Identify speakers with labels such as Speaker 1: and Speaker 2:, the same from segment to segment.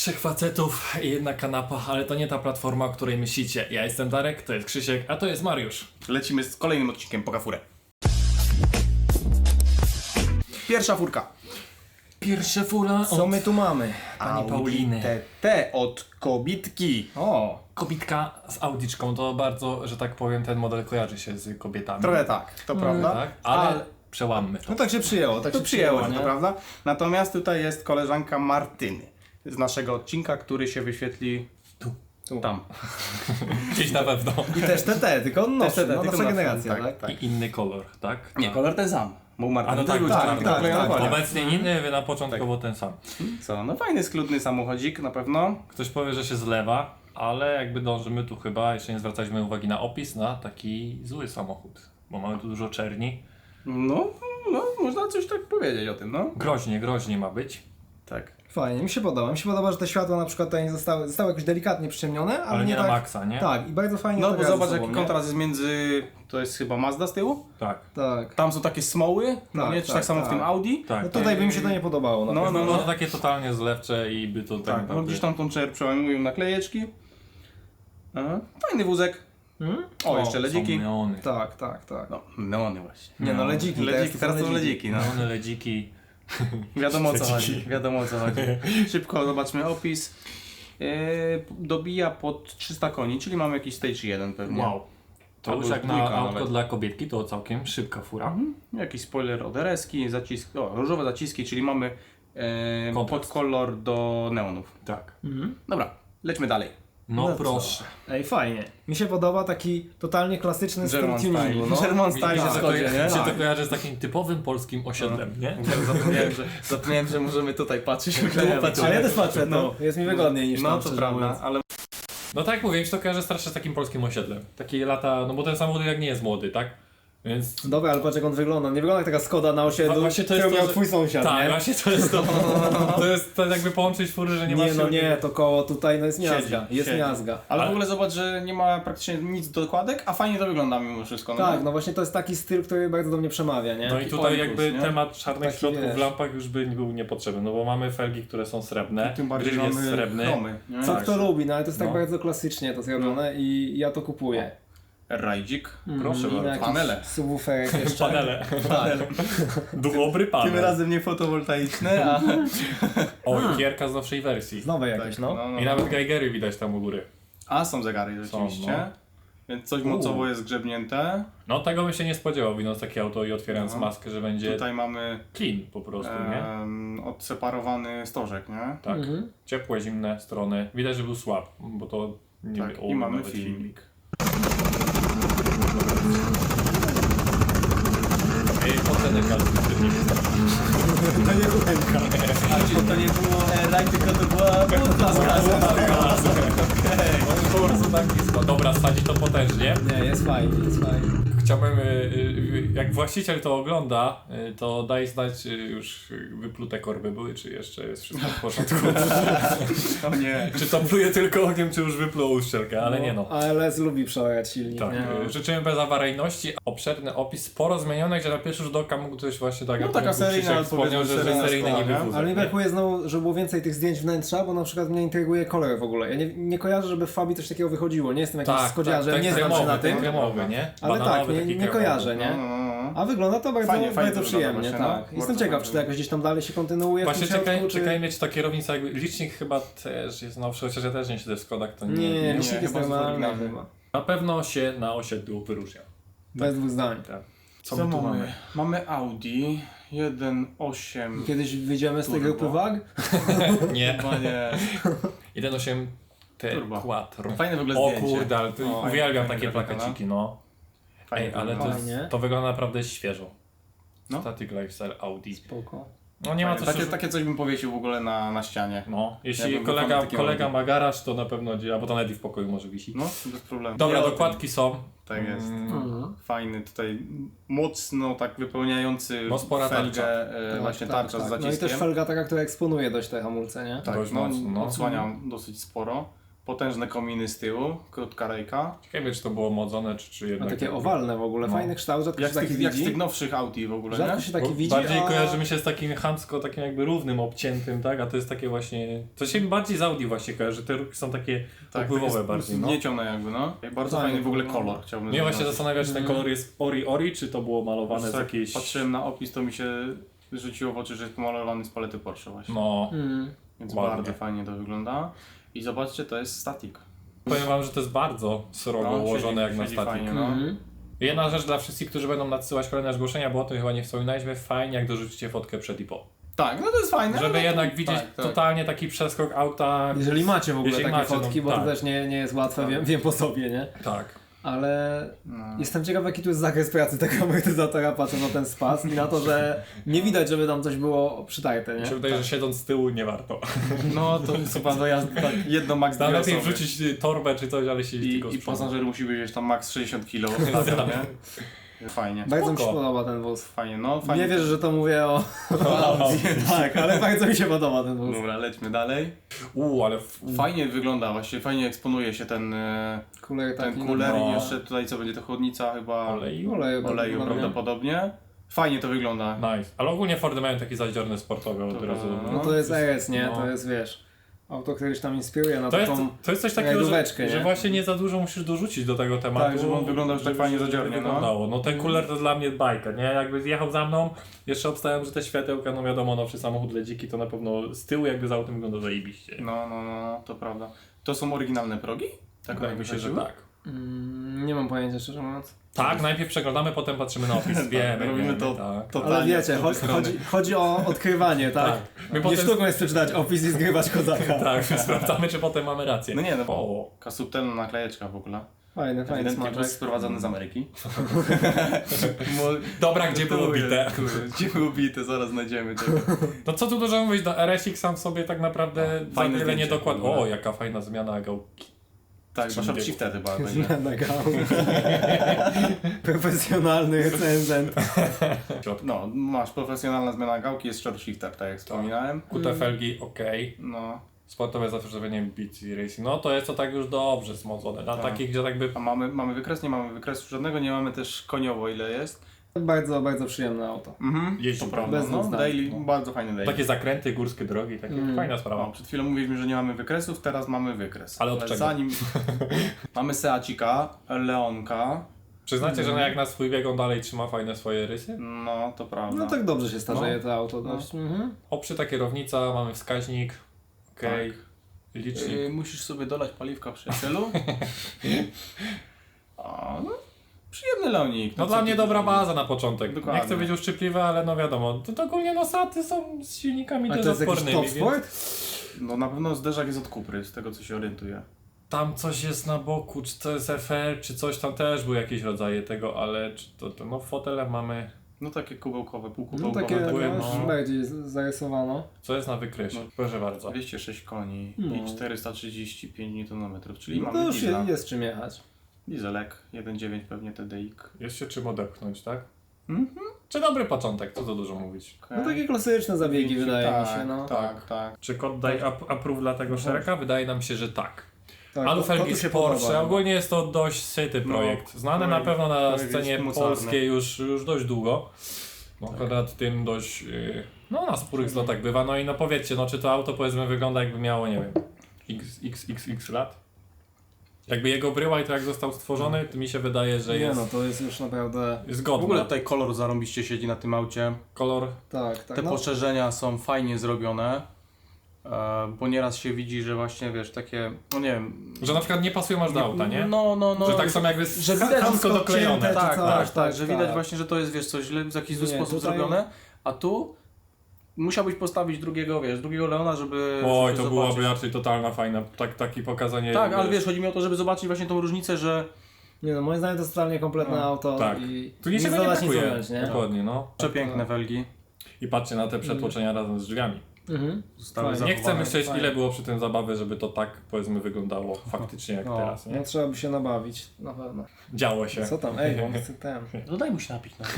Speaker 1: Trzech facetów i jedna kanapa, ale to nie ta platforma, o której myślicie. Ja jestem Darek, to jest Krzysiek, a to jest Mariusz.
Speaker 2: Lecimy z kolejnym odcinkiem Poka Furę. Pierwsza furka.
Speaker 1: Pierwsza fura
Speaker 3: Co my tu mamy?
Speaker 1: pani Pauliny.
Speaker 2: TT od Kobitki.
Speaker 3: O,
Speaker 1: Kobitka z Audiczką, to bardzo, że tak powiem, ten model kojarzy się z kobietami.
Speaker 2: Trochę tak, to prawda.
Speaker 1: Tak, ale przełammy to.
Speaker 3: no tak się przyjęło, tak
Speaker 2: To
Speaker 3: się
Speaker 2: przyjęło się,
Speaker 3: nie?
Speaker 2: to prawda. Natomiast tutaj jest koleżanka Martyny z naszego odcinka, który się wyświetli
Speaker 3: Tu.
Speaker 2: tam.
Speaker 1: Gdzieś na pewno.
Speaker 3: I też TT, tylko nowszy,
Speaker 2: TT,
Speaker 3: no,
Speaker 2: tylko
Speaker 3: nasza
Speaker 2: nowszy,
Speaker 3: generacja,
Speaker 2: tak,
Speaker 3: tak?
Speaker 2: tak.
Speaker 1: I inny kolor, tak?
Speaker 2: Nie, kolor ten sam. Bo u Martyny
Speaker 1: A no
Speaker 2: też
Speaker 1: tak,
Speaker 2: był
Speaker 1: tak,
Speaker 2: czarny,
Speaker 3: tak,
Speaker 2: tylko
Speaker 3: tak,
Speaker 2: kolor.
Speaker 1: Obecnie inny, wy na początkowo ten sam.
Speaker 2: Co, no fajny, skludny samochodzik na pewno.
Speaker 1: Ktoś powie, że się zlewa, ale jakby dążymy tu chyba, jeszcze nie zwracaliśmy uwagi na opis, na taki zły samochód. Bo mamy tu dużo czerni.
Speaker 2: No, można coś tak powiedzieć o tym, no.
Speaker 1: Groźnie ma być.
Speaker 2: Tak.
Speaker 3: Fajnie, mi się podoba. Mi się podoba, że te światła na przykład tutaj zostały jakoś delikatnie przyciemnione,
Speaker 1: Ale nie
Speaker 3: tak,
Speaker 1: na maksa, nie?
Speaker 3: Tak, i bardzo fajnie
Speaker 2: No
Speaker 3: to
Speaker 2: bo
Speaker 3: gra ze
Speaker 2: zobacz
Speaker 3: sobą,
Speaker 2: jaki
Speaker 3: nie?
Speaker 2: kontrast jest między, to jest chyba Mazda z tyłu.
Speaker 1: Tak.
Speaker 3: Tak.
Speaker 2: Tam są takie smoły, no
Speaker 3: Tak,
Speaker 2: nie? Czy tak
Speaker 3: tak,
Speaker 2: samo w tym
Speaker 3: tak.
Speaker 2: Audi.
Speaker 1: Tak,
Speaker 3: No tutaj by mi się to nie podobało.
Speaker 2: No,
Speaker 3: pewno.
Speaker 1: No to takie totalnie zlewcze i by to tak
Speaker 2: Tak, no
Speaker 1: naprawdę...
Speaker 2: gdzieś tam tą przełamują naklejeczki. Aha. Fajny wózek.
Speaker 3: Hmm?
Speaker 2: O, jeszcze ledziki.
Speaker 1: Są neony.
Speaker 3: Tak, tak, tak.
Speaker 2: No, neony właśnie.
Speaker 3: Nie no, ledziki,
Speaker 2: Ledziki, teraz to są ledziki, no.
Speaker 1: Neony, ledziki.
Speaker 2: Wiadomo o co
Speaker 1: Ledziki.
Speaker 2: chodzi, wiadomo o co chodzi. Szybko zobaczmy opis. Dobija pod 300 koni, czyli mamy jakiś stage 1 pewnie.
Speaker 1: Wow. To
Speaker 2: Albo
Speaker 1: już jak na
Speaker 2: dwójka
Speaker 1: autko
Speaker 2: nawet.
Speaker 1: dla kobietki, to całkiem szybka fura.
Speaker 2: Mhm. Jakiś spoiler od RS-ki, zaciski, różowe zaciski, czyli mamy
Speaker 1: Kontrast.
Speaker 2: podkolor do neonów.
Speaker 1: Tak.
Speaker 2: Dobra, lećmy dalej.
Speaker 1: No
Speaker 3: co?
Speaker 1: proszę.
Speaker 3: Ej, fajnie. Mi się podoba taki totalnie klasyczny styl
Speaker 2: German style.
Speaker 3: tuningu, no.
Speaker 2: German style się
Speaker 1: Mi się
Speaker 2: schodzi, nie?
Speaker 1: się to
Speaker 2: Tak.
Speaker 1: kojarzy z takim typowym polskim osiedlem, nie?
Speaker 2: Zapomniałem, że możemy tutaj patrzeć.
Speaker 3: Ale ja też patrzę, no. Jest mi wygodniej niż
Speaker 2: No
Speaker 3: tam,
Speaker 2: to
Speaker 3: szczerze
Speaker 2: prawda,
Speaker 3: mówiąc.
Speaker 2: ale
Speaker 1: No tak jak mówię, mi się to kojarzy strasznie z takim polskim osiedlem. Takie lata, no bo ten samochód jak nie jest młody, tak? Więc...
Speaker 3: Dobra, ale patrz jak on wygląda. Nie wygląda jak taka Skoda na osiedlu,
Speaker 1: Właśnie to jest
Speaker 3: którą
Speaker 1: to,
Speaker 3: miał
Speaker 1: że-
Speaker 3: twój sąsiad,
Speaker 1: Tak,
Speaker 3: nie?
Speaker 1: właśnie to jest to. To jest to jakby połączyć fury, że nie ma
Speaker 3: Nie, no nie, to koło tutaj no jest miazga. Jest
Speaker 2: siedzi.
Speaker 3: miazga.
Speaker 2: Ale
Speaker 1: Ale-
Speaker 2: w ogóle zobacz, że nie ma praktycznie nic dokładek, a fajnie to wygląda mimo wszystko.
Speaker 3: Tak,
Speaker 2: nie?
Speaker 3: no właśnie to jest taki styl, który bardzo do mnie przemawia, nie?
Speaker 1: No i
Speaker 2: Taki
Speaker 1: tutaj
Speaker 2: oikos,
Speaker 1: jakby
Speaker 2: nie?
Speaker 1: temat czarnych
Speaker 3: Taki,
Speaker 1: środków
Speaker 3: wiesz.
Speaker 1: w lampach już by był niepotrzebny, no bo mamy felgi, które są srebrne,
Speaker 2: Tym bardziej
Speaker 1: gryl jest
Speaker 2: mamy
Speaker 1: srebrny.
Speaker 2: chromy. nie?
Speaker 3: Co
Speaker 1: Tak.
Speaker 3: kto lubi, no ale to jest tak
Speaker 1: No.
Speaker 3: bardzo klasycznie to zrobione i ja to kupuję.
Speaker 2: Rajdzik.
Speaker 1: Proszę
Speaker 3: I
Speaker 1: bardzo.
Speaker 3: jakiś
Speaker 2: Panele.
Speaker 3: subwooferek jeszcze.
Speaker 1: Panele.
Speaker 3: Tak.
Speaker 1: Dobry panel.
Speaker 2: Tym razem nie fotowoltaiczne, a...
Speaker 1: O, gierka z nowszej wersji.
Speaker 3: Z nowej jakieś, no.
Speaker 1: I nawet Geigery widać tam u góry.
Speaker 2: A są zegary rzeczywiście.
Speaker 1: no.
Speaker 2: Więc coś mocowo jest grzebnięte.
Speaker 1: No tego bym się nie spodziewał, widząc takie auto i otwierając
Speaker 2: No.
Speaker 1: maskę, że będzie
Speaker 2: Tutaj mamy
Speaker 1: clean po prostu, nie?
Speaker 2: odseparowany stożek, nie?
Speaker 1: Tak.
Speaker 3: Mhm.
Speaker 1: Ciepłe, zimne strony. Widać, że był słab, bo to nie
Speaker 2: Tak,
Speaker 1: o,
Speaker 2: i mamy
Speaker 1: nawet
Speaker 2: filmik.
Speaker 1: Oceny
Speaker 3: To nie kuchenka.
Speaker 2: To nie było rajd, tylko to była butla z gazem.
Speaker 1: bardzo tak blisko. Dobra, sadzi to potężnie.
Speaker 3: Nie, jest fajnie, jest fajnie.
Speaker 1: Chciałbym, jak właściciel to ogląda, to daj znać już wyplute korby były, czy jeszcze jest wszystko w porządku.
Speaker 2: O nie.
Speaker 1: Czy to pluje tylko ogniem, czy już wypluł uszczelkę, ale nie no.
Speaker 3: ALS lubi przełajać silnik,
Speaker 1: Tak,
Speaker 3: nie?
Speaker 1: życzymy bez awaryjności, obszerny opis, sporo zmienione, gdzie na pierwszy rzut oka mógł coś właśnie tak,
Speaker 2: No
Speaker 1: jak
Speaker 2: taka
Speaker 1: mógł
Speaker 2: seryjna,
Speaker 1: Krzysiek wspomniał,
Speaker 2: powiedzmy,
Speaker 1: że
Speaker 2: seryjna
Speaker 1: seryjny
Speaker 2: szkoła,
Speaker 1: niby
Speaker 2: nie?
Speaker 1: wózek,
Speaker 3: Ale mi
Speaker 1: nie?
Speaker 3: brakuje znowu, żeby było więcej tych zdjęć wnętrza, bo na przykład mnie intryguje kolor w ogóle. Ja nie kojarzę, żeby w Fabii coś takiego wychodziło. Nie jestem jakimś skodziarzem, nie znam się na tym.
Speaker 1: ten kremowy, nie?
Speaker 3: Ale tak,
Speaker 1: Bananowy,
Speaker 3: nie,
Speaker 1: taki
Speaker 3: nie
Speaker 1: kremowy.
Speaker 3: kojarzę, nie?
Speaker 2: No.
Speaker 3: A wygląda to bardzo,
Speaker 2: Fajnie, fajnie
Speaker 3: bardzo
Speaker 2: to
Speaker 3: przyjemnie,
Speaker 2: wygląda
Speaker 3: tak.
Speaker 2: właśnie, no.
Speaker 3: Jestem
Speaker 2: Bardzo
Speaker 3: ciekaw,
Speaker 2: fajnie.
Speaker 3: czy to jakoś gdzieś tam dalej się kontynuuje
Speaker 1: Właśnie
Speaker 3: w tym środku,
Speaker 1: czekaj mieć takie rowice, jakby licznik chyba też jest nowszy, chociaż ja też nie siedzę w Skodach, to nie.
Speaker 3: Nie, licznik jest
Speaker 2: chyba jest
Speaker 3: normalny
Speaker 2: oryginalny.
Speaker 3: chyba.
Speaker 1: Na pewno się na osiedlu wyróżnia.
Speaker 3: Bez dwóch zdań.
Speaker 1: Tak.
Speaker 2: Co my tu mamy? Mamy Audi 1.8.
Speaker 3: Kiedyś wyjdziemy z tej
Speaker 2: Turbo.
Speaker 3: grupy wag?
Speaker 1: Nie.
Speaker 2: Chyba nie.
Speaker 1: 1.8
Speaker 2: Turbo.
Speaker 1: Quattro.
Speaker 2: Fajne w ogóle
Speaker 1: O
Speaker 2: zdjęcie.
Speaker 1: kurde, ale to
Speaker 2: O,
Speaker 1: uwielbiam
Speaker 2: fajnie
Speaker 1: takie
Speaker 2: grafika,
Speaker 1: plakaciki, no.
Speaker 2: Fajnie
Speaker 1: Ej, ale to,
Speaker 2: wygląda.
Speaker 3: Fajnie.
Speaker 1: to wygląda naprawdę świeżo.
Speaker 2: No.
Speaker 1: Static Lifestyle Audi.
Speaker 3: Spoko.
Speaker 1: No nie ma co
Speaker 2: Takie coś bym powiesił w ogóle na ścianie.
Speaker 1: No, jeśli
Speaker 2: Ja bym wykonał takie
Speaker 1: kolega
Speaker 2: Audi.
Speaker 1: ma garaż, to na pewno, albo to nawet i w pokoju może wisi.
Speaker 2: No, bez problemu.
Speaker 1: Dobra,
Speaker 2: Nie,
Speaker 1: dokładki są.
Speaker 2: Tak jest.
Speaker 3: Mhm.
Speaker 2: Fajny tutaj, mocno tak wypełniający
Speaker 1: No, spora
Speaker 2: felgę,
Speaker 1: tarcza.
Speaker 2: właśnie tarcza z
Speaker 3: No i
Speaker 2: zaciskiem.
Speaker 3: też felga taka, która eksponuje dość te hamulce, nie?
Speaker 2: Tak,
Speaker 1: Dość
Speaker 2: no,
Speaker 1: mocno, no.
Speaker 2: odsłania dosyć sporo. Potężne kominy z tyłu, krótka rejka.
Speaker 1: Ciekawe, czy to było modzone, czy
Speaker 3: A
Speaker 1: jednak...
Speaker 3: takie owalne w ogóle,
Speaker 1: No.
Speaker 3: fajny kształt, rzadko się taki
Speaker 2: Jak z
Speaker 3: widzi.
Speaker 2: tych nowszych Audi w ogóle,
Speaker 3: Rzadko
Speaker 2: nie?
Speaker 3: się taki
Speaker 1: Bo
Speaker 3: widzi,
Speaker 1: bardziej
Speaker 3: a...
Speaker 1: kojarzy mi się z takim chamsko, takim jakby równym, obciętym, tak? A to jest takie właśnie... To się bardziej z Audi właśnie kojarzy, te ruchy są takie opływowe
Speaker 2: takie
Speaker 1: bardziej, no.
Speaker 2: Zgniecione jakby, no. Bardzo
Speaker 3: Fajnie
Speaker 2: fajny w ogóle
Speaker 3: no.
Speaker 2: kolor, chciałbym
Speaker 1: Mnie właśnie
Speaker 2: zaznaczyć.
Speaker 1: zastanawia, czy ten kolor jest ori, czy to było malowane z
Speaker 2: Tak,
Speaker 1: jakiejś...
Speaker 2: patrzyłem na opis, to mi się rzuciło w oczy, że jest pomalowany z palety Porsche właśnie.
Speaker 1: No,
Speaker 2: Więc
Speaker 1: ładnie.
Speaker 2: bardzo fajnie to wygląda. I zobaczcie, to jest static.
Speaker 1: powiem wam, że to jest bardzo srogo ułożone jak na
Speaker 2: siedzi
Speaker 1: statik.
Speaker 2: fajnie, no.
Speaker 1: Jedna rzecz dla wszystkich, którzy będą nadsyłać kolejne zgłoszenia, bo o tym chyba nie wspominaliśmy, fajnie jak dorzucicie fotkę przed i po.
Speaker 2: Tak, no to jest fajne.
Speaker 1: Żeby
Speaker 2: ale
Speaker 1: jednak
Speaker 2: to-
Speaker 1: widzieć
Speaker 2: tak, tak.
Speaker 1: totalnie taki przeskok auta.
Speaker 3: Jeżeli macie w ogóle
Speaker 1: Jeżeli
Speaker 3: takie
Speaker 1: macie, no,
Speaker 3: fotki, bo
Speaker 1: tak.
Speaker 3: to też nie jest łatwe, wiem po sobie, nie?
Speaker 1: Tak.
Speaker 3: Ale
Speaker 2: No.
Speaker 3: jestem ciekaw, jaki tu jest zakres pracy tego amortyzatora, patrząc na ten spas i na to, że nie widać, żeby tam coś było przytarte,
Speaker 1: Mi
Speaker 3: nie?
Speaker 1: się wydaje, że siedząc z tyłu nie warto.
Speaker 2: No to jest chyba dojazd tak jedno max
Speaker 1: Tam
Speaker 2: dwie
Speaker 1: lepiej
Speaker 2: osoby.
Speaker 1: wrzucić torbę czy coś, ale siedzieć tylko z
Speaker 2: I
Speaker 1: przodu.
Speaker 2: pasażer musi być tam max 60 kg, nie? Fajnie.
Speaker 3: Bardzo mi się
Speaker 1: Spoko.
Speaker 3: podoba ten wóz.
Speaker 2: Fajnie, no fajnie.
Speaker 3: Nie wierzę, że to mówię o Audi. Tak, ale bardzo mi się podoba ten wóz.
Speaker 2: Dobra, lećmy dalej.
Speaker 1: Ale
Speaker 2: Fajnie wygląda właśnie, fajnie eksponuje się ten
Speaker 3: Kuler taki.
Speaker 2: kuler
Speaker 1: no.
Speaker 2: i jeszcze tutaj co będzie to chłodnica chyba
Speaker 1: oleju.
Speaker 3: Oleju,
Speaker 2: oleju prawdopodobnie. Fajnie to wygląda.
Speaker 1: Nice. Ale ogólnie Fordy mają taki zadziorny sportowy od
Speaker 2: Dobra,
Speaker 1: razu.
Speaker 3: No to jest RS, nie?
Speaker 1: No.
Speaker 3: To jest, wiesz, auto, które się tam inspiruje na
Speaker 1: To jest,
Speaker 3: taką...
Speaker 1: to jest coś takiego, że,
Speaker 3: rajdóweczkę,
Speaker 1: że
Speaker 3: nie?
Speaker 1: właśnie nie za dużo musisz dorzucić do tego tematu.
Speaker 2: Tak, żeby on wyglądał już tak fajnie zadziornie, no.
Speaker 1: wyglądało. No ten kuler to dla mnie bajka, nie? Jakby zjechał za mną, jeszcze obstałem, że te światełka, no wiadomo, nowszy samochód ledziki to na pewno z tyłu jakby z autem wygląda zajebiście.
Speaker 2: No, to prawda. To są oryginalne progi? Tak,
Speaker 1: Wydaje mi się, że tak.
Speaker 3: Nie mam pojęcia, szczerze mówiąc.
Speaker 1: Tak, najpierw przeglądamy, potem patrzymy na opis. Wiemy,
Speaker 2: robimy
Speaker 1: wiemy,
Speaker 2: to-
Speaker 1: tak.
Speaker 2: to-
Speaker 3: Ale
Speaker 2: Totalnie
Speaker 3: wiecie,
Speaker 2: od drugiej strony.
Speaker 3: chodzi o odkrywanie, tak?
Speaker 1: Tak. My
Speaker 3: Nie
Speaker 1: potem,
Speaker 3: sztuką jest przeczytać opis i zgrywać kozaka.
Speaker 1: tak, sprawdzamy, czy potem mamy rację.
Speaker 2: No nie, no
Speaker 1: O,
Speaker 2: taka subtelna naklejeczka w ogóle.
Speaker 3: Fajny
Speaker 2: Ewidentnie
Speaker 3: smaczek.
Speaker 2: wóz sprowadzany z Ameryki.
Speaker 1: dobra, gdzie było bite?
Speaker 2: Gdzie było bite, zaraz znajdziemy tego.
Speaker 1: No co tu dużo mówić, do RSX sam sobie tak naprawdę za
Speaker 2: fajne
Speaker 1: wiele nie
Speaker 2: zdjęcie
Speaker 1: dokład.
Speaker 2: w ogóle.
Speaker 1: O, jaka fajna zmiana gałki.
Speaker 2: Tak, bo sharp shifter chyba będzie.
Speaker 3: Zmiana gałki. Profesjonalny recenzent.
Speaker 2: No, masz profesjonalna zmiana gałki, jest short shifter, tak jak wspominałem.
Speaker 1: Kute felgi, okej.
Speaker 2: No,
Speaker 1: Sportowe zastosowanie BT Racing. No to jest to tak już dobrze smodzone. Na
Speaker 2: Tak.
Speaker 1: takich, gdzie tak by...
Speaker 2: a mamy wykres? Nie mamy wykresu żadnego, nie mamy też koniowo ile jest.
Speaker 3: Bardzo, bardzo przyjemne auto.
Speaker 1: Jeździ
Speaker 2: to prawda.
Speaker 3: bez
Speaker 2: No,
Speaker 3: dwóch zdań.
Speaker 2: daily, bardzo fajny daily.
Speaker 1: Takie zakręty, górskie drogi, takie fajna sprawa.
Speaker 2: No, przed chwilą mówiliśmy, że nie mamy wykresów, teraz mamy wykres.
Speaker 1: Ale od czego?
Speaker 2: Zanim mamy Seacika, Leonka,
Speaker 1: Przyznacie, że jak na swój bieg on dalej trzyma fajne swoje rysy?
Speaker 2: no to prawda.
Speaker 3: No tak dobrze się starzeje
Speaker 1: No.
Speaker 3: to auto dość.
Speaker 1: Oprzyta kierownica, mamy wskaźnik, okej,
Speaker 2: Tak.
Speaker 1: licznik.
Speaker 2: Musisz sobie dolać paliwka przyjacielu. A, no, przyjemny Leonik.
Speaker 1: No
Speaker 2: co
Speaker 1: dla
Speaker 2: ty
Speaker 1: mnie
Speaker 2: tu
Speaker 1: dobra
Speaker 2: zrobisz?
Speaker 1: baza na początek.
Speaker 2: Dokładnie.
Speaker 1: Nie chcę być uszczypliwy, ale no wiadomo, to ogólnie no saty są z silnikami
Speaker 3: A
Speaker 1: też
Speaker 3: to jest jakiś
Speaker 1: odpornymi,
Speaker 3: top
Speaker 1: więc
Speaker 3: sport?
Speaker 2: No na pewno zderzak jest od Kupry, z tego co się orientuję.
Speaker 1: tam coś jest na boku, czy to jest FR, czy coś tam też były jakieś rodzaje tego, ale czy to no fotele mamy,
Speaker 2: No takie kubełkowe,
Speaker 3: No
Speaker 2: półkubełkowe.
Speaker 3: takie
Speaker 1: były,
Speaker 3: no,
Speaker 1: no.
Speaker 3: bardziej zarysowano.
Speaker 1: co jest na wykresie, proszę bardzo.
Speaker 2: 206 koni
Speaker 3: No.
Speaker 2: i 435 Nm, czyli
Speaker 3: No to
Speaker 2: mamy
Speaker 3: już
Speaker 2: diesla.
Speaker 3: jest czym jechać.
Speaker 2: Dieselek 1.9 pewnie TDI.
Speaker 1: Jest się czym odepchnąć, tak?
Speaker 2: Mhm.
Speaker 1: Czy dobry początek, co za dużo mówić.
Speaker 3: No takie klasyczne zabiegi wydaje mi się, no.
Speaker 2: Tak.
Speaker 1: Czy kod daje approve dla tego szereka? Wydaje nam się, że tak.
Speaker 3: Tak,
Speaker 1: Alufelgi
Speaker 3: to
Speaker 1: z
Speaker 3: się
Speaker 1: Porsche,
Speaker 3: podoba.
Speaker 1: ogólnie jest to dość syty projekt. Znany na
Speaker 2: projekt-
Speaker 1: pewno na
Speaker 2: projekt
Speaker 1: scenie
Speaker 2: jest mocarny.
Speaker 1: polskiej już dość długo. No, akurat tym dość, no na sporych zlotach bywa. No i no powiedzcie, no czy to auto powiedzmy wygląda jakby miało, nie wiem, xxx lat? Jakby jego bryła i to jak został stworzony, to mi się wydaje, że
Speaker 3: Nie
Speaker 1: jest,
Speaker 3: no, to jest już naprawdę...
Speaker 1: jest
Speaker 2: W
Speaker 1: godny.
Speaker 2: ogóle tutaj kolor zarąbiście siedzi na tym aucie.
Speaker 1: Kolor,
Speaker 3: Tak, tak.
Speaker 2: Te
Speaker 3: no.
Speaker 2: poszerzenia są fajnie zrobione. Bo nieraz się widzi, że właśnie wiesz, takie, no nie wiem.
Speaker 1: że na przykład nie pasują aż do auta, nie?
Speaker 2: No.
Speaker 1: Że tak są jakby
Speaker 2: że widać
Speaker 1: chamsko
Speaker 3: wszystko
Speaker 1: doklejone.
Speaker 3: odcięte,
Speaker 2: Tak,
Speaker 3: czy
Speaker 2: tak,
Speaker 3: coś,
Speaker 2: tak, że widać
Speaker 3: tak.
Speaker 2: właśnie, że to jest, wiesz, coś źle, w jakiś zły
Speaker 3: Nie,
Speaker 2: sposób
Speaker 3: tutaj-
Speaker 2: zrobione, a tu musiałbyś postawić drugiego Leona, żeby
Speaker 1: Oj,
Speaker 2: żeby
Speaker 1: to
Speaker 2: zobaczyć.
Speaker 1: byłaby raczej totalna fajna, takie pokazanie.
Speaker 2: Tak, ale wiesz, chodzi mi o to, żeby zobaczyć właśnie tą różnicę, że
Speaker 3: Nie no, moim zdaniem to jest totalnie kompletne
Speaker 2: No,
Speaker 3: auto
Speaker 1: tak.
Speaker 3: i
Speaker 1: Tu niczego nie
Speaker 3: dodać, nic
Speaker 1: brakuje.
Speaker 3: ująć, nie?
Speaker 1: Dokładnie, no.
Speaker 2: przepiękne felgi.
Speaker 1: I patrzcie na te przetłoczenia razem z drzwiami.
Speaker 2: Zostały
Speaker 3: Fajnie.
Speaker 1: Nie chcę
Speaker 2: zachowane.
Speaker 1: myśleć,
Speaker 3: fajnie.
Speaker 1: ile było przy tym zabawy, żeby to tak powiedzmy wyglądało faktycznie jak
Speaker 2: No.
Speaker 1: teraz, nie?
Speaker 3: No trzeba by się nabawić, na pewno.
Speaker 1: Działo się.
Speaker 3: Co tam? Ej, on chce ten.
Speaker 2: No daj mu się napić na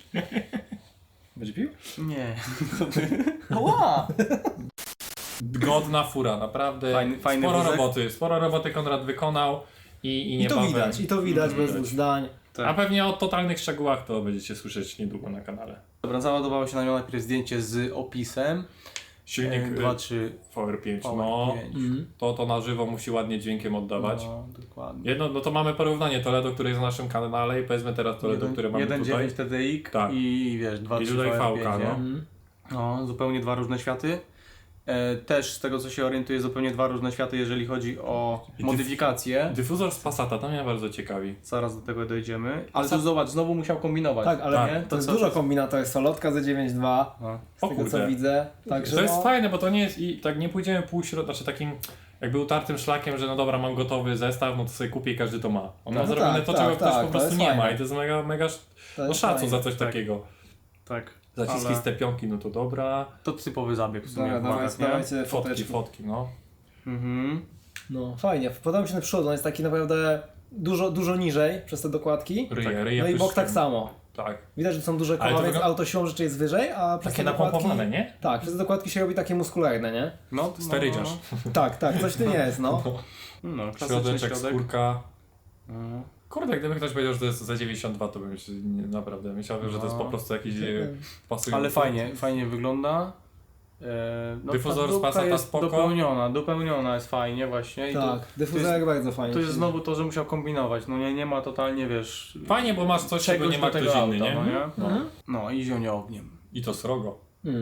Speaker 3: Będzie pił?
Speaker 2: Nie.
Speaker 1: God godna fura, naprawdę
Speaker 2: Fajny
Speaker 1: sporo roboty Konrad wykonał i
Speaker 3: I
Speaker 1: nie
Speaker 3: to widać, i to widać bez dwóch zdań.
Speaker 2: Tak.
Speaker 1: A pewnie o totalnych szczegółach to będziecie słyszeć niedługo na kanale.
Speaker 2: Dobra, załadowało się na nią najpierw zdjęcie z opisem.
Speaker 1: Silnik
Speaker 2: 2.3
Speaker 1: VR5,
Speaker 2: VR5.
Speaker 1: no to na żywo musi ładnie dźwiękiem oddawać.
Speaker 2: No, dokładnie.
Speaker 1: Jedno, no to mamy porównanie Toledo, który jest na naszym kanale i powiedzmy teraz Toledo, które mamy
Speaker 2: 1.9
Speaker 1: tutaj.
Speaker 2: TDI
Speaker 1: Tak.
Speaker 2: i wiesz, 2.3
Speaker 1: I tutaj
Speaker 2: VR5,
Speaker 1: VK,
Speaker 2: nie?
Speaker 1: no.
Speaker 2: No, zupełnie dwa różne światy. Też z tego co się orientuję, zupełnie dwa różne światy, jeżeli chodzi o modyfikacje.
Speaker 1: Dyfuzor z Passata, to mnie bardzo ciekawi.
Speaker 2: Zaraz do tego dojdziemy. Ale tu zobacz, znowu musiał kombinować.
Speaker 3: Tak, ale
Speaker 1: Tak.
Speaker 3: nie? To jest
Speaker 2: co-
Speaker 3: dużo kombinatorów. Solotka za 9.2,
Speaker 2: No.
Speaker 3: z
Speaker 1: O
Speaker 3: tego co
Speaker 1: kurde.
Speaker 3: widzę. Także
Speaker 1: To jest
Speaker 3: no,
Speaker 1: fajne, bo to nie jest i tak nie pójdziemy znaczy takim jakby utartym szlakiem, że no dobra, mam gotowy zestaw, no to sobie kupię i każdy to ma. On ma
Speaker 3: No
Speaker 1: zrobione
Speaker 3: tak,
Speaker 1: to,
Speaker 3: tak,
Speaker 1: czego ktoś
Speaker 3: tak,
Speaker 1: po
Speaker 3: to
Speaker 1: prostu
Speaker 3: jest
Speaker 1: nie ma
Speaker 3: fajne.
Speaker 1: i to jest mega
Speaker 3: to
Speaker 1: no
Speaker 3: jest
Speaker 1: szacun
Speaker 3: fajne.
Speaker 1: za coś
Speaker 2: tak.
Speaker 1: takiego.
Speaker 2: Tak.
Speaker 1: Zaciski
Speaker 2: Ale
Speaker 1: z te pionki, no to dobra.
Speaker 2: to typowy zabieg w sumie.
Speaker 3: Dobra,
Speaker 2: w Magach, nie?
Speaker 3: dawajcie foteczki.
Speaker 1: Fotki, no.
Speaker 2: Mhm.
Speaker 3: No fajnie, podoba mi się ten przód, on jest taki naprawdę dużo niżej przez te dokładki.
Speaker 1: Ryje
Speaker 3: No i bok
Speaker 1: pyszczkiem.
Speaker 3: tak samo.
Speaker 1: Tak.
Speaker 3: Widać, że są duże
Speaker 1: Ale
Speaker 3: koła,
Speaker 1: to
Speaker 3: więc
Speaker 1: wygląda-
Speaker 3: auto siłą rzeczy jest wyżej, a przez
Speaker 1: Takie
Speaker 3: te dokładki...
Speaker 1: napompowane, nie?
Speaker 3: Tak, przez te dokładki się robi takie muskularne, nie?
Speaker 2: No,
Speaker 1: Sterydziarz.
Speaker 3: Tak, coś w tym jest, no.
Speaker 2: No, klasyczny
Speaker 1: Środeczek,
Speaker 2: środek.
Speaker 1: skórka.
Speaker 2: Mhm.
Speaker 1: Kurde, gdyby ktoś powiedział, że to jest za 92, to bym się naprawdę myślałem, że to jest po prostu jakiś pasujący.
Speaker 2: Ale fajnie wygląda. No,
Speaker 1: Dyfuzor
Speaker 2: ta
Speaker 1: z
Speaker 2: dupka
Speaker 1: Passata
Speaker 2: jest
Speaker 1: spoko.
Speaker 2: dopełniona jest fajnie właśnie. I
Speaker 3: Tak, dyfuzorek bardzo fajnie.
Speaker 2: to jest znowu to, że musiał kombinować. No nie ma totalnie, wiesz...
Speaker 1: Fajnie, bo masz coś, czego
Speaker 2: czegoś
Speaker 1: nie ma
Speaker 2: do
Speaker 1: ktoś
Speaker 2: tego
Speaker 1: inny,
Speaker 2: auta,
Speaker 1: nie?
Speaker 2: no nie? No i zionie ogniem.
Speaker 1: I to srogo.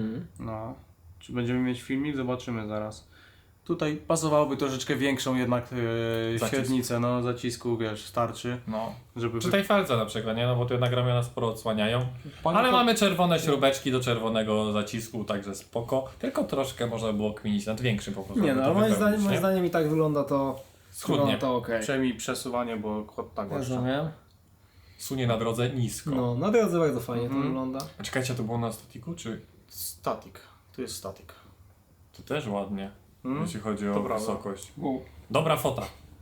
Speaker 2: No. Czy będziemy mieć filmik? Zobaczymy zaraz. Tutaj pasowałoby troszeczkę większą jednak
Speaker 1: Zacisk.
Speaker 2: średnicę, no zacisku, wiesz, starczy,
Speaker 1: No.
Speaker 2: żeby...
Speaker 1: Przy tej felce na przykład, nie? No bo tu jednak ramiona sporo odsłaniają.
Speaker 2: Panie
Speaker 1: Ale
Speaker 2: to-
Speaker 1: mamy czerwone śrubeczki do czerwonego zacisku, także spoko. Tylko troszkę można było kminić nad większym po prostu.
Speaker 3: Nie
Speaker 1: żeby
Speaker 3: no,
Speaker 1: to
Speaker 3: ale moim
Speaker 1: wypełnić,
Speaker 3: zdaniem
Speaker 1: nie?
Speaker 3: i tak wygląda
Speaker 1: Schudnie.
Speaker 3: wygląda to okej.
Speaker 2: Przejmij przesuwanie, bo kod tak właśnie.
Speaker 3: Rozumiem.
Speaker 1: Sunie na drodze nisko.
Speaker 3: No, na drodze bardzo fajnie to wygląda.
Speaker 1: A czekajcie, to było na statiku, czy...
Speaker 2: Statik. Tu jest statik.
Speaker 1: To też ładnie, jeśli chodzi o
Speaker 2: To prawda.
Speaker 1: wysokość. Dobra fota.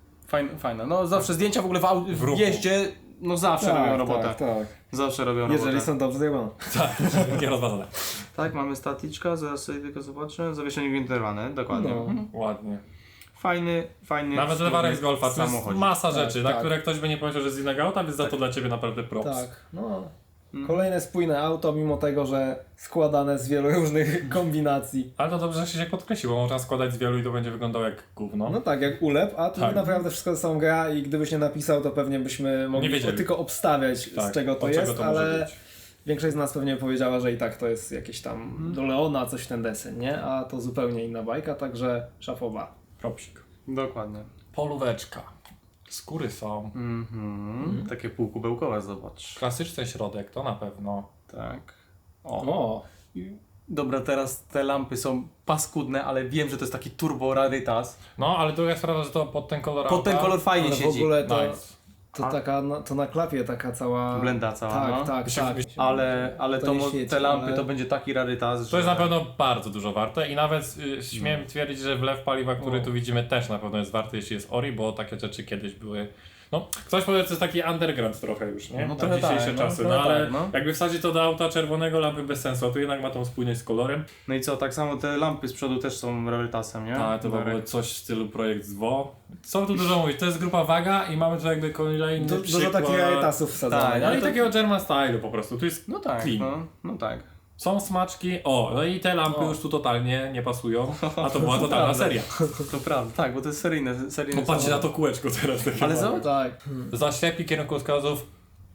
Speaker 2: Fajne. No zawsze zdjęcia w ogóle w
Speaker 1: ruchu.
Speaker 2: jeździe, no zawsze robią robotę.
Speaker 3: tak.
Speaker 2: Zawsze robią robotę.
Speaker 3: Jeżeli są dobrze zrobione.
Speaker 1: Tak, nierozważone.
Speaker 2: Tak, mamy staticzka, zaraz sobie tylko zobaczę. Zawieszenie gwintowane, dokładnie.
Speaker 3: No.
Speaker 1: Ładnie.
Speaker 2: Fajny.
Speaker 1: Nawet lewarek z Golfa, to jest
Speaker 2: samochodzik.
Speaker 1: masa
Speaker 3: Tak,
Speaker 1: rzeczy, na
Speaker 3: tak.
Speaker 1: które ktoś by nie pomyślał, że jest z innego auta, więc za to dla Ciebie naprawdę props.
Speaker 3: Tak, no. Kolejne spójne auto, mimo tego, że składane z wielu różnych kombinacji.
Speaker 1: Ale to dobrze, że się podkreśliło, bo można składać z wielu i to będzie wyglądało jak gówno.
Speaker 3: No tak, jak ulep, a tu
Speaker 1: Tak.
Speaker 3: naprawdę wszystko to są gra i gdybyś nie napisał, to pewnie byśmy mogli
Speaker 1: wiedzieli.
Speaker 3: tylko obstawiać,
Speaker 1: Tak,
Speaker 3: z czego to
Speaker 1: od czego
Speaker 3: jest,
Speaker 1: to może
Speaker 3: ale
Speaker 1: być.
Speaker 3: większość z nas pewnie powiedziała, że i tak to jest jakieś tam do Leona, coś w ten deseń, nie? A to zupełnie inna bajka, także szafoba.
Speaker 1: Propsik.
Speaker 2: Dokładnie.
Speaker 1: Polóweczka. Skóry są.
Speaker 2: Takie półkubełkowe, zobacz.
Speaker 1: Klasyczny środek, to na pewno.
Speaker 2: Tak.
Speaker 3: O,
Speaker 2: Dobra, teraz te lampy są paskudne, ale wiem, że to jest taki turbo rarytas.
Speaker 1: No, ale druga sprawa, że to pod ten kolor
Speaker 2: Pod ten
Speaker 1: auta-
Speaker 2: kolor fajnie
Speaker 3: ale w
Speaker 2: siedzi.
Speaker 3: ogóle to,
Speaker 1: Nice.
Speaker 3: to taka, to na klapie taka cała...
Speaker 2: Blenda cała,
Speaker 3: Tak,
Speaker 2: no.
Speaker 3: tak, tak.
Speaker 2: Ale
Speaker 3: To nie świeci,
Speaker 2: te lampy
Speaker 3: ale-
Speaker 2: to będzie taki rarytas,
Speaker 1: To jest
Speaker 2: że...
Speaker 1: na pewno bardzo dużo warte i nawet śmiem twierdzić, że wlew paliwa, który tu widzimy też na pewno jest warty, jeśli jest Ori, bo takie rzeczy kiedyś były... No, ktoś powie, że to jest taki underground trochę już, nie?
Speaker 2: No
Speaker 1: Na
Speaker 2: trochę
Speaker 1: dzisiejsze
Speaker 2: tak, no,
Speaker 1: czasy,
Speaker 2: trochę
Speaker 1: no ale
Speaker 2: tak, no.
Speaker 1: jakby wsadzić to do auta czerwonego, lampy bez sensu, a tu jednak ma tą spójność z kolorem.
Speaker 2: No i co, tak samo te lampy z przodu też są rarytasem, nie?
Speaker 1: Tak, to
Speaker 2: Darek?
Speaker 1: było coś w stylu projekt ZWO. Co tu dużo mówić, to jest grupa Waga i mamy tu jakby kolejny
Speaker 3: Dużo
Speaker 1: przykład.
Speaker 3: takich rarytasów wsadzonych.
Speaker 2: Tak,
Speaker 1: No
Speaker 2: ale
Speaker 1: i
Speaker 2: to-
Speaker 1: takiego German stylu po prostu, tu jest
Speaker 2: No tak,
Speaker 1: clean.
Speaker 2: no tak.
Speaker 1: Są smaczki, no i te lampy już tu totalnie nie pasują, a to była totalna
Speaker 2: prawda.
Speaker 1: seria.
Speaker 2: To prawda, tak, bo to jest seryjne
Speaker 1: No patrzcie na to kółeczko teraz. takie
Speaker 2: Ale
Speaker 1: małe.
Speaker 2: zobacz,
Speaker 3: Tak.
Speaker 1: Zaślepi kierunkowskazów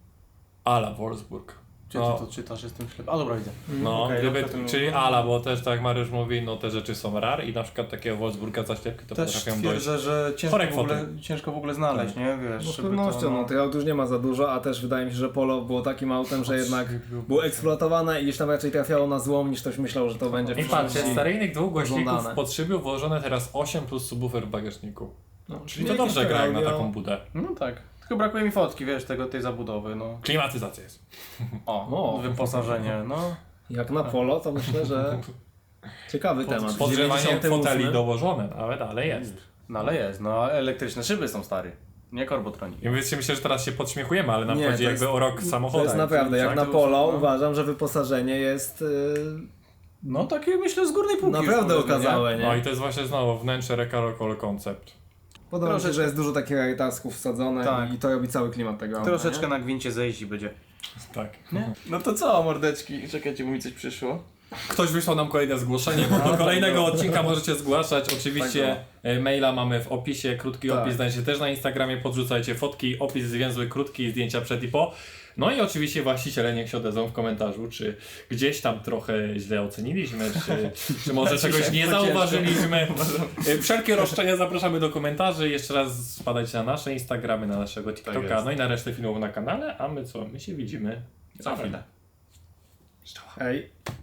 Speaker 1: ala Wolfsburg.
Speaker 2: Gdzie ty to czytasz, jestem ślepy. A dobra, widzę.
Speaker 1: No,
Speaker 2: Okej,
Speaker 1: gdyby,
Speaker 2: dobra, to-
Speaker 1: czyli ala, bo też tak jak Mariusz mówi, no te rzeczy są rar i na przykład takiego Wolfsburga zaślepki to
Speaker 2: Też
Speaker 1: potrafią dojść.
Speaker 2: twierdzę, że
Speaker 1: Chore
Speaker 2: ciężko w ogóle znaleźć, nie? Wiesz,
Speaker 3: No z
Speaker 2: żeby
Speaker 3: pewnością,
Speaker 2: to,
Speaker 3: no tych aut już nie ma za dużo, a też wydaje mi się, że Polo było takim autem, że jednak było eksploatowane i gdzieś tam raczej trafiało na złom, niż ktoś myślał, że to będzie w
Speaker 1: I patrzcie, z
Speaker 3: przyszłości.
Speaker 1: seryjnych dwóch głośników
Speaker 3: Oglądane.
Speaker 1: pod szyby włożone teraz 8 plus subwoofer w bagażniku.
Speaker 3: No,
Speaker 1: Czyli to
Speaker 3: jakieś
Speaker 1: dobrze gra jak na
Speaker 3: audio.
Speaker 1: taką budę.
Speaker 2: No tak. Tylko brakuje mi fotki, wiesz, tej zabudowy, no.
Speaker 1: Klimatyzacja jest.
Speaker 2: O, wyposażenie, no.
Speaker 3: Jak na Polo, to myślę, że ciekawy temat.
Speaker 1: Podgrzewanie
Speaker 3: 98.
Speaker 1: foteli dołożone, ale jest.
Speaker 2: No ale jest, no a elektryczne szyby są stary. Nie korbotronik.
Speaker 1: I myślę, że teraz się podśmiechujemy, ale nam
Speaker 3: Nie,
Speaker 1: chodzi
Speaker 3: to
Speaker 1: jakby
Speaker 3: jest-
Speaker 1: o rok
Speaker 3: To
Speaker 1: samochodu.
Speaker 3: jest naprawdę, jak
Speaker 2: tak,
Speaker 3: na
Speaker 2: to
Speaker 3: Polo
Speaker 2: już, no.
Speaker 3: uważam, że wyposażenie jest
Speaker 2: No takie myślę z górnej półki.
Speaker 3: Naprawdę
Speaker 2: już powiedzmy,
Speaker 3: okazałe,
Speaker 1: No i
Speaker 3: nie?
Speaker 1: to jest właśnie znowu wnętrze Recarocol Concept.
Speaker 3: Podoba mi się,
Speaker 2: Troszeczkę-
Speaker 3: że jest dużo takich rarytasków wsadzone
Speaker 2: Tak.
Speaker 3: i to robi cały klimat tego
Speaker 2: nie?
Speaker 3: auta,
Speaker 2: Troszeczkę
Speaker 3: nie?
Speaker 2: na gwincie zejść i będzie.
Speaker 1: Tak.
Speaker 2: No to co, mordeczki? Czekajcie, bo mi coś przyszło.
Speaker 1: Ktoś wysłał nam kolejne zgłoszenie, bo do kolejnego odcinka możecie zgłaszać. Oczywiście maila mamy w opisie, krótki
Speaker 3: Tak.
Speaker 1: opis znajdziecie też na Instagramie, podrzucajcie fotki, opis zwięzły, krótki, zdjęcia przed i po. No i oczywiście właściciele niech się odezwą w komentarzu, czy gdzieś tam trochę źle oceniliśmy, czy może czegoś nie zauważyliśmy. Wszelkie roszczenia zapraszamy do komentarzy. Jeszcze raz spadajcie na nasze Instagramy, na naszego TikToka,
Speaker 2: jest.
Speaker 1: no i na resztę filmów na kanale, a my co? My się widzimy za chwilę.
Speaker 3: Ej.